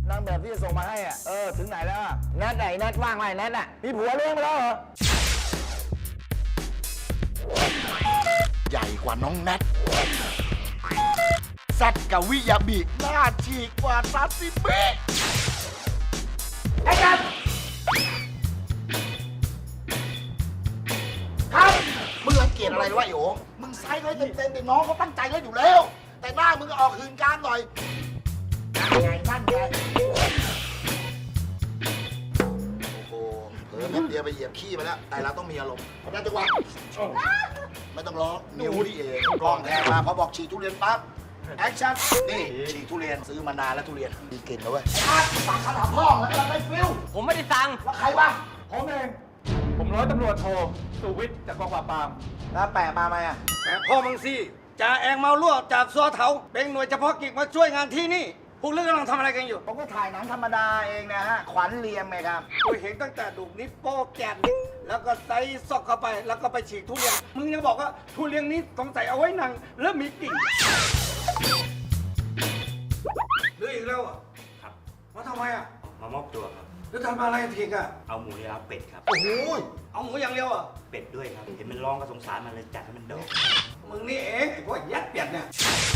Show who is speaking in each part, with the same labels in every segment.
Speaker 1: นางแบบที่จะส่งมาให้อ่ะถึงไหนแล้วแนทไหนแนทว่างไหมแนทอ่ะมีผัวเลี้ยงไปแล้วเหรอ
Speaker 2: ใหญ่กว่าน้องแนทแซดกับวิยาบิหน้าฉีกกว่าซาซิมิ
Speaker 1: ไอ้กัน
Speaker 2: ครับมึงรังเกียจอะไรวะไอ้โอ๋มึงไซส์เลยเต็มๆแต่น้องเขาตั้งใจเล่นอยู่แล้วแต่หน้ามึงออกหืนกามหน่อยนั่นไงโอ้โหเผลอแป๊บเดียวไปเหยียบขี้มาแล้วแต่เราต้องมีอารมณ์ได้จังหวะไม่ต้องร้องนิ้วนี่เองกองแทงมาพอบอกฉีกทุเรียนปั๊บแอคชั่นนี่ฉีกทุเรียนซื้อมานานแล้วทุเรียนมีกลิ่นแล้วเว้ยสั่งขนาดพ่อแล้วก็ไม่ฟิล
Speaker 3: ผมไม่ได้สั่ง
Speaker 2: แล้วใครวะ
Speaker 1: ผมเองผมร้อยตำรวจโทสุวิทย์จากกองปราบปรามแล้วแปะมาไหมอ่ะ
Speaker 4: แต่พ่อมึงสิจ่าแองเมาลั่วจากซัวเถาเป็นหน่วยเฉพาะกิจมาช่วยงานที่นี่พวกเรื่องกำลังทำอะไรกันอยู่
Speaker 1: ผมก็ถ่ายหนังธรรมดาเองนะฮะขวัญเรียมไงครับ
Speaker 4: กูเห็นตั้งแต่ดูกนิ้วโป้แกนแล้วก็ใส่ซอกเข้าไปแล้วก็ไปฉีกทุเรียนมึงยังบอกว่าทุเรียนนี้ต้องใส่เอาไว้หนังแล้วมีกิ่งหรืออีกแล้วอ่ะ
Speaker 5: ครับ
Speaker 4: มาทำไมอ่ะ
Speaker 5: มามอบตัวครับ
Speaker 4: แล้วทำอะไรทีกอ่ะ
Speaker 5: เอาหมูยาเป็ดครับ
Speaker 2: โอ้โห
Speaker 4: เอาหมูอย่างเดียวอ่ะ
Speaker 5: เป็ดด้วยครับ เห็นมันร้องก็สงสารมันเลยจัดให้มันโดด
Speaker 4: มึงนี่เองไอ้พวกยัดเปียดเนี่ย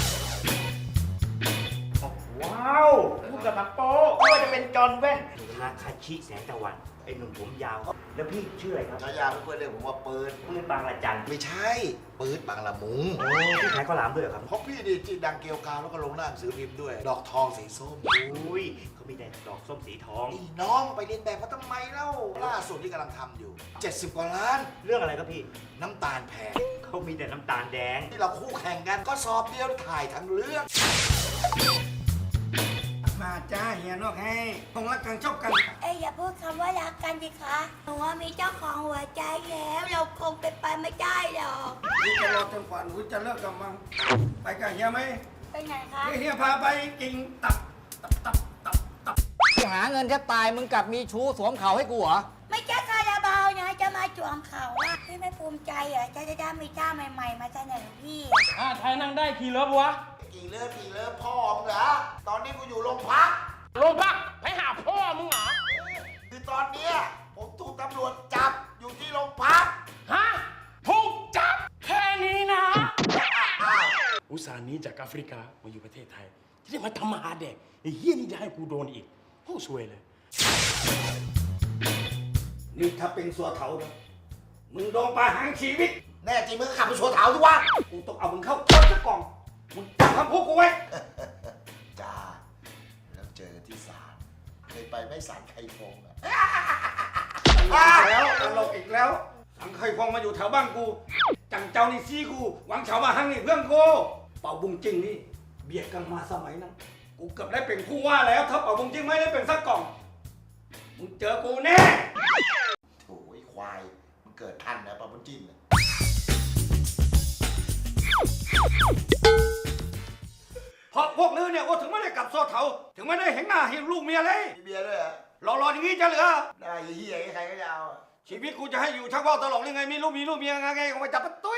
Speaker 1: ว้าวพูดกับนักโป๊ไม่ว่าจะเป็นจอห์นแว่น
Speaker 5: ทาคาชิแสงตะวัน ไอ้หนุ่มผมยาว แล้วพี่ชื่ออะไรครับ
Speaker 2: ฉายาเพื่อนๆเรียกผมว่าปืน
Speaker 5: ปืนบางละจัน
Speaker 2: ไม่ใช่ปืนบางละมุง
Speaker 5: โอ้พี่ขายข้าวหลามด้วยเหรอครับ
Speaker 2: เพราะพี่ดีจีดังเกลียวกาวแล้วก็ลงหน้าหนังสือพิมพ์ด้วย ดอกทองสีส้ม
Speaker 5: อุ้ยเขามีแต่ดอกส้มสีทอง
Speaker 2: นี่น้องไปเรียนแบบมาทำไมเล่าล่าสุดที่กำลังทำอยู่ 70 กว่าล้าน
Speaker 5: เรื่องอะไรครับพี่
Speaker 2: น้ำตาลแพง
Speaker 5: เขามีแต่น้ำตาลแดง
Speaker 2: ที่เราคู่แข่งกันก็สอบเดียวถ่ายทั้งเรื่อง
Speaker 4: มาจ้าเฮียนอกให้คงรักกันชอบกัน
Speaker 6: อย่าพูดคำว่ารักกันสิคะหนูว่ามีเจ้าของหัวใจแล้วเราคงเป็นไปไม่ได้หรอก
Speaker 4: นี่จะรอจนกว่าหนูจะเลิกกับมันไปกับเฮียไหม
Speaker 6: ไปไหนคะ
Speaker 4: เฮียพาไปกินตับ
Speaker 3: หาเงินแทบตายมึงกลับมีชู้สวมเขาให้กูเหรอ
Speaker 6: ไม่ใช่คาราบาวนะจะมาจวงเขาอะพี่ไม่ภูมิใจเหรอจะได้มีท่าใหม่ๆมาเสนอพี่
Speaker 3: ไทยนั่งได้ขี่รถวะ
Speaker 2: กี่เลิฟพ่อมึงเหรอ ตอนนี้กูอยู่โรงพัก
Speaker 3: โรงพักไปหาพ่อมึงเหรอ
Speaker 2: คือตอนเนี้ยผมถูกตำรวจจับอยู่ที่โรงพัก
Speaker 3: ฮะถูกจับแค่นี้นะ
Speaker 7: อุตส่าห์หนี้จากแอฟริกามาอยู่ประเทศไทยที่ได้มาทำมาหาเด็กไอ้เฮี้ยนี่จะให้กูโดนอีกโอ้ซวยเลย
Speaker 4: นี่ถ้าเป็นสัวเถานะมึงโดนประหารชีวิต
Speaker 2: แน่จริงมึงก็ขับไปโชว์เถาดิวะ
Speaker 4: กูต้องเอามึงเข้าคุกกล่องมึงจำคำพูดกูไว้
Speaker 2: จ้า แล้วเจอกันที่ศาลเคยไปไม่ศาลไคฟงอะ
Speaker 4: แล้วตลกอีกแล้วสังเคยฟองมาอยู่แถวบ้านกู จังเจ้านี่ซี่กู หวังเฉามาหังนี่เพื่อนกู เป่าบุงจริงนี่เบียดกันมาสมัยนั้น กูเกือบได้เป็นผู้ว่าแล้ว ถ้าเป่าบุงจริงไม่ได้เป็นสักกล่อง มึงเจอกูแน่
Speaker 2: โถ่ไอ้ควาย มันเกิดทันนะปะมันจิ้นอะ
Speaker 4: เพราะพวกลือเนี่ยโอ้ถึงไม่ได้กลับโซ่เถาถึงไม่ได้เห็นหน้าเห็นลูกเมียเลย
Speaker 2: มีเบียร์ด้วยเหรอ
Speaker 4: รออย่างนี้จะเหลือ
Speaker 2: ได้เหี้ยใครก็จะเอาอะ
Speaker 4: ชีวิตกูจะให้อยู่ชักว่าวตลกยังไงมีลูกเมียไงออกมาจับประตู